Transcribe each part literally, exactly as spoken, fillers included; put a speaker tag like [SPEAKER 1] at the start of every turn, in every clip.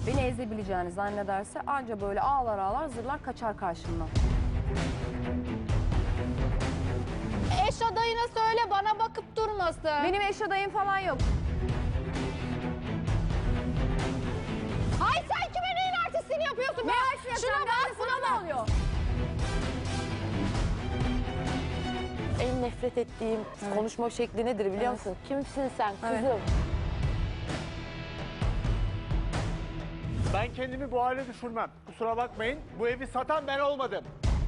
[SPEAKER 1] beni ezebileceğini zannederse anca böyle ağlar ağlar zırlar kaçar karşımdan.
[SPEAKER 2] Eş adayına söyle bana bakıp durmasın.
[SPEAKER 1] Benim eş adayım falan yok.
[SPEAKER 2] Ay sen kime neyin artistliğini yapıyorsun?
[SPEAKER 1] Ne
[SPEAKER 2] be?
[SPEAKER 1] artistliği
[SPEAKER 2] Şuna
[SPEAKER 1] yapacağım?
[SPEAKER 2] bak,
[SPEAKER 1] Ben de sana
[SPEAKER 2] buna
[SPEAKER 1] ne
[SPEAKER 2] bak.
[SPEAKER 1] oluyor?
[SPEAKER 3] En nefret ettiğim konuşma şekli nedir biliyor
[SPEAKER 1] Evet.
[SPEAKER 3] musun? Kimsin sen kızım?
[SPEAKER 1] Evet.
[SPEAKER 4] Ben kendimi bu hale düşürmem. Kusura bakmayın. Bu evi satan ben olmadım.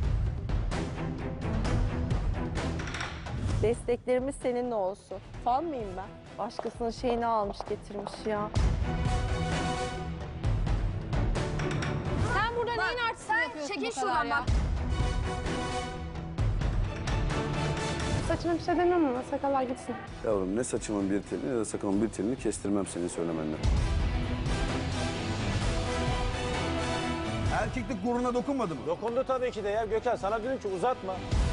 [SPEAKER 3] Desteklerimiz seninle olsun. Fan mıyım ben? Başkasının şeyini almış getirmiş ya.
[SPEAKER 2] Sen burada neyin artistliğini yapıyorsun
[SPEAKER 1] çekil
[SPEAKER 2] bu kadar
[SPEAKER 1] şuradan
[SPEAKER 2] ya?
[SPEAKER 1] bak.
[SPEAKER 5] Saçma bir şey demem ama sakallar gitsin.
[SPEAKER 6] Yavrum ne saçımın bir telini ne de sakalımın bir telini kestirmem senin söylemenle. Erkeklik gururuna dokunmadı mı?
[SPEAKER 7] Dokundu tabii ki de ya. Gökhan sana dedim ki uzatma.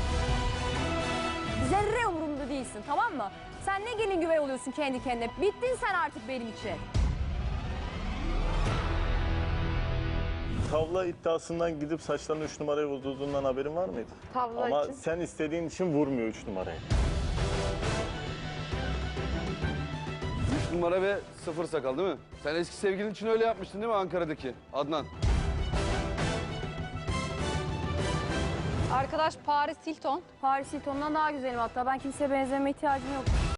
[SPEAKER 1] Zerre umurumda değilsin, tamam mı? Sen ne gelin güvey oluyorsun kendi kendine. Bittin sen artık benim için.
[SPEAKER 8] Tavla iddiasından gidip saçlarını üç numaraya vurduğundan haberin var mıydı?
[SPEAKER 3] Tavla
[SPEAKER 8] Ama
[SPEAKER 3] için.
[SPEAKER 8] sen istediğin için vurmuyor üç numarayı.
[SPEAKER 6] Üç numara ve sıfır sakal değil mi? Sen eski sevgilin için öyle yapmıştın değil mi Ankara'daki Adnan?
[SPEAKER 2] Arkadaş Paris Hilton.
[SPEAKER 1] Paris Hilton'dan daha güzelim hatta. Ben kimseye benzeme ihtiyacım yok.